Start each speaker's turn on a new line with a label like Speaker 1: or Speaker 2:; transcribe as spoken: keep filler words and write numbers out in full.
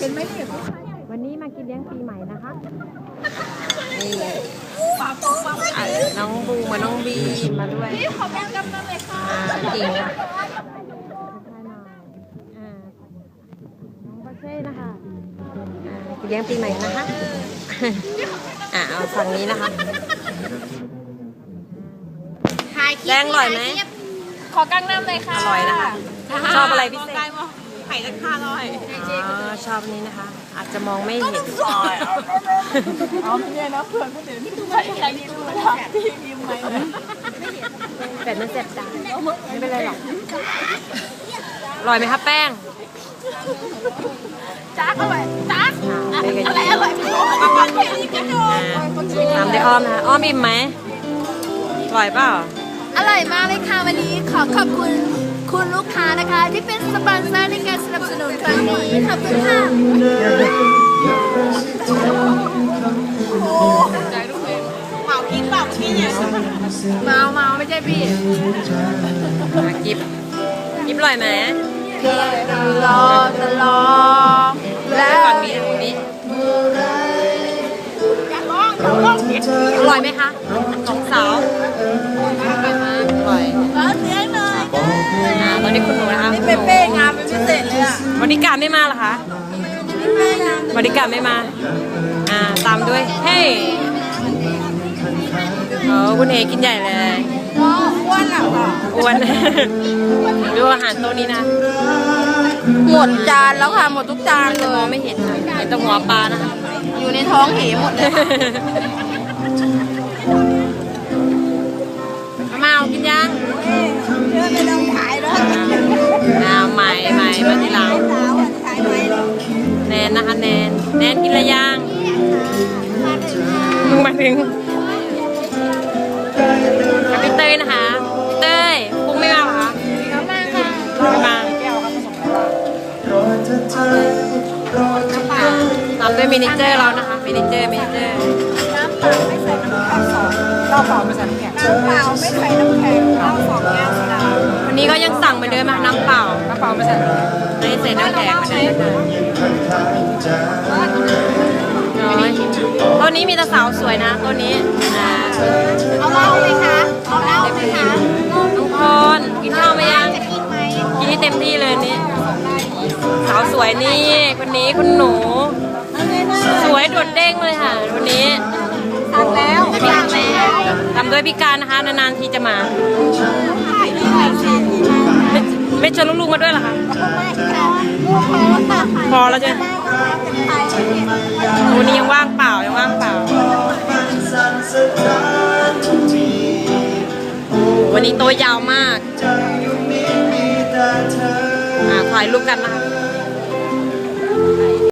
Speaker 1: เห็นไหมเนี่ย
Speaker 2: วันนี้มากินเลี้ยงปีใหม่นะคะนี่น้องบูมาน้องบีมาด้วย
Speaker 1: ขอแบ่งกันเลยค่ะ
Speaker 2: จริงค่ะน้องบาเช่นะคะกินเลี้ยงปีใหม่นะคะอ่าเอาฝั่งนี้นะคะแดงอร่อยไหม
Speaker 1: ขอกั้งน้ำเลยค่ะ
Speaker 2: อร่อยนะคะชอบอะไรพิเศษ
Speaker 1: ไข่ตะขาอร่อย
Speaker 2: ชอบนี้นะคะอาจจะมองไม่เห็น
Speaker 1: เอาไม่ใช่นะเพื่อนคนอื่นไข่ไข่ที่ดูนะพี่ยิ้มไหม
Speaker 2: แต่มันเจ็บตาไม่เป็นไรหรอกอร่อยไหมครับแป้ง
Speaker 1: จ้าอร่อยจ้าอะไรอร่อยพี่บอกมาฟังเพลงนี้กันดู
Speaker 2: ตามได้อ้อมนะคะอ้อมอิ่มไหมอร่อยเปล่า
Speaker 1: อร่อยมากเลยค่ะวันนี้ขอขอบคุณคุณลูกค้านะคะที่เป็นสปอนเซอร์ในการสนับสนุนครั้งนี้ขอบคุณค่ะเมากินเปล่าพี่เนี่ยเมาเมาไม่ใช่พี่
Speaker 2: กิบกิบอร่อยไหม
Speaker 1: ตลอดตลอด
Speaker 2: แล้วฝั่งนี้ฝั่งนี้อร่อยไหมคะสองสาวอร่อย
Speaker 1: เลี้ยงหน่อย
Speaker 2: ตอนนี้คุณหนูนะคะ
Speaker 1: นี่เป้งามเป็นพิเศษเลยอ่ะ
Speaker 2: บริการไม่มาเหรอคะบริการไม่มาอ่าตามด้วยเฮ้ยโอ้คุณเอกินใหญ่เลย
Speaker 1: อ้วนหรอ
Speaker 2: อ้วนดูอาหารโต๊ะนี้นะ
Speaker 1: หมดจานแล้วค่ะหมดทุกจานเลย
Speaker 2: มองไม่เห็นค่ะเห็นแต่หัวปลานะคะ
Speaker 1: อยู่ในท้องเหหมดเลย
Speaker 2: มาเอากินยัง
Speaker 1: เรื่องไม่ต้องขายแล้ว
Speaker 2: อ่าใหม่ใหม่มาทีหลังแนนนะคะแนนแนนกินอะไรยังมึงมาถึงกับพี่เต้ยนะคะพี่เต้ยปุ้งไม่มาหรอคะ
Speaker 1: มาค่ะ
Speaker 2: ไม่มาตามด้วยมินิเจอร์เรานะคะมินิเจอร์มินิเจอร์
Speaker 1: น้ำเปล่าไม่ใส่น้ำแข็งสองน้ำเปล่าไม่ใส่น้ำแข็งน้ำเปล่าไม่ใส่น้ำแข็งเหล้าสองแก้วโซดา
Speaker 2: วันนี้ก็ยังสั่งเหมือนเดิมนะน้ำเปล่าน้ำเปล่าไม่ใส่ไม่ใส่น้ำแข็งไม่ได้ตัวนี้มีแต่สาวสวยนะตัวนี้นะ
Speaker 1: เอาเหล้าไหมคะเอาเหล้าไหมคะ
Speaker 2: ทุกคนกินข้าวไหมยัง
Speaker 1: กินไหม
Speaker 2: กินให้เต็มที่เลยนี่สาวสวยนี่คนนี้คุณหนูสวยโดดเด้งเลยค่ะวันนี้
Speaker 1: สั่งแล้วสั่งแล้ว
Speaker 2: ทำด้วยพิการนะคะนานๆทีจะมาไม่เชิญลูกๆมาด้วยเหรอคะพอแล้วใช่ไหมวันนี้ยังว่างเปล่ายังว่างเปล่าวันนี้โตยาวมากถ่ายรูปกันนะคะ